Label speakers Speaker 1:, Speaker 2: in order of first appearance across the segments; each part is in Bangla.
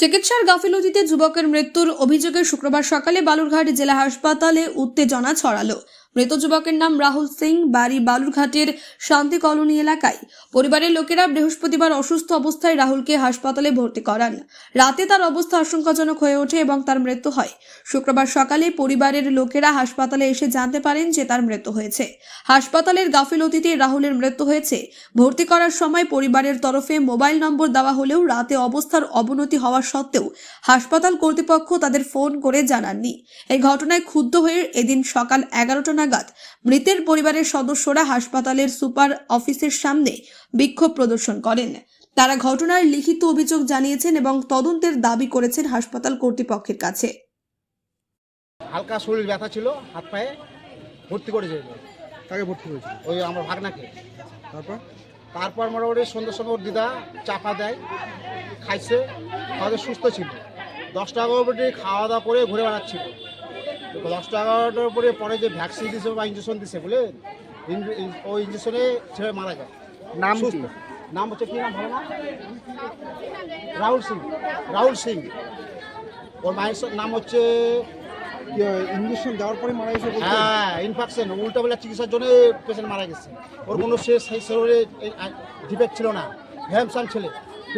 Speaker 1: চিকিৎসার গাফিলতিতে যুবকের মৃত্যুর অভিযোগে শুক্রবার সকালে বালুরঘাট জেলা হাসপাতালে উত্তেজনা ছড়ালো। মৃত যুবকের নাম রাহুল সিং, বাড়ি বালুরঘাটের শান্তি কলোনি এলাকায়। পরিবারের লোকেরা বৃহস্পতিবার অসুস্থ অবস্থায় রাহুলকে হাসপাতালে ভর্তি করান। রাতে তার অবস্থা আশঙ্কাজনক হয়ে ওঠে এবং তার মৃত্যু হয়। শুক্রবার সকালে পরিবারের লোকেরা হাসপাতালে এসে জানতে পারেন যে তার মৃত্যু হয়েছে। হাসপাতালের গাফিলতিতে রাহুলের মৃত্যু হয়েছে। ভর্তি করার সময় পরিবারের তরফে মোবাইল নম্বর দেওয়া হলেও রাতে অবস্থার অবনতি হওয়া সত্ত্বেও হাসপাতাল কর্তৃপক্ষ তাদের ফোন করে জানাননি। এই ঘটনায় ক্ষুব্ধ হয়ে এদিন সকাল 11টা নাগাদ মৃতের পরিবারের সদস্যরা হাসপাতালের সুপার অফিসের সামনে বিক্ষোভ প্রদর্শন করেন। তারা ঘটনার লিখিত অভিযোগ জানিয়েছেন এবং তদন্তের দাবি করেছেন হাসপাতাল কর্তৃপক্ষের কাছে।
Speaker 2: হালকা শরীর ব্যথা ছিল, হাত পায়ে ভর্তি করেছে।
Speaker 3: কাকে ভর্তি করেছিল?
Speaker 2: ওই আমার ভাগনাকে।
Speaker 3: তারপর
Speaker 2: মোটামুটি সন্ধ্যার সময় ওর দিদা চাপা দেয়, খাইছে, খাওয়া সুস্থ ছিল। 10টা 11টার খাওয়া দাওয়া করে ঘুরে বেড়াচ্ছিল। 10টা 11টার পরে যে ভ্যাকসিন দিছে বা ইঞ্জেকশন দিছে বলে ওই ইঞ্জেকশনে ছেলে মারা যায়।
Speaker 3: নাম
Speaker 2: সুস্থ।
Speaker 3: কি?
Speaker 2: নাম হচ্ছে কি নাম ভালো না? রাহুল সিং। রাহুল সিং। ওর মায়ের নাম হচ্ছে
Speaker 3: ইঞ্জেকশন দেওয়ার পরে মারা গেছে বলতে?
Speaker 2: হ্যাঁ, ইনফেকশন, উল্টাবেলা চিকিৎসার জন্য পেশেন্ট মারা গেছে। ওর কোনো সেই শরীরে ডিফেক্ট ছিল না, হ্যামসান ছেলে।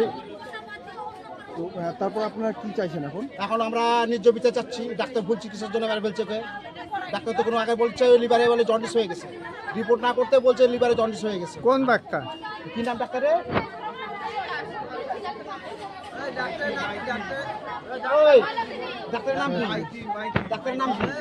Speaker 3: তো তারপর আপনারা কি চাইছেন এখন?
Speaker 2: এখন আমরা ন্যায্য বিচার চাচ্ছি। ডাক্তার ভুল চিকিৎসার জন্য এবার বলছে ডাক্তার তো কোনো আগে বলছে লিভারে বলে জন্ডিস হয়ে গেছে, রিপোর্ট না করতে বলছে লিভারে জন্ডিস হয়ে গেছে।
Speaker 3: কোন ডাক্তার?
Speaker 2: কি নাম ডাক্তারের? ওই ডাক্তারের নাম কি? ডাক্তারের নাম কি?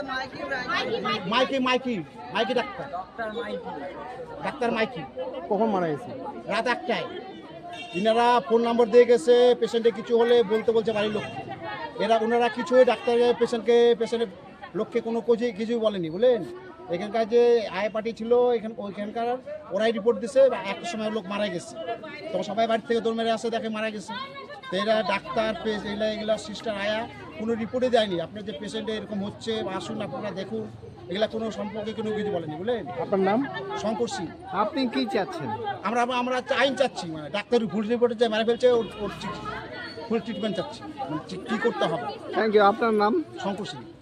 Speaker 2: Mikey doctor. Doctor Mikey.
Speaker 3: কখন মারা গেছে?
Speaker 2: রাত 1টায়। ইনারা ফোন নম্বর দিয়ে গেছে, পেশেন্টে কিছু হলে বলছে বাড়ির লোককে। ওনারা কিছু ডাক্তারের পেশেন্টের লোককে কোনো কিছুই বলেনি, বুঝলেন। এখানকার যে আয় পার্টি ছিল ওইখানকার ওরাই রিপোর্ট দিছে একটা সময় লোক মারা গেছে। তখন সবাই বাড়ি থেকে দৌড় মেরে আসে, দেখে মারা গেছে। তো এরা ডাক্তার এগুলা সিস্টার আয়া কোনো রিপোর্টে দেয়নি। আপনার যে পেশেন্টে এরকম হচ্ছে আসুন আপনারা দেখুন, এগুলা কোনো সম্পর্কে কোনো কিছু বলেনি, বুঝলেন।
Speaker 3: আপনার নাম?
Speaker 2: শঙ্কর সিং।
Speaker 3: আপনি কি চাচ্ছেন?
Speaker 2: আমরা আইন চাচ্ছি, মানে ডাক্তার ভুল রিপোর্টে যে মারা ফেলছে ওর ফুল ট্রিটমেন্ট চাচ্ছি, মানে কী করতে হবে।
Speaker 3: Thank you. আপনার নাম?
Speaker 2: শঙ্কর সিং।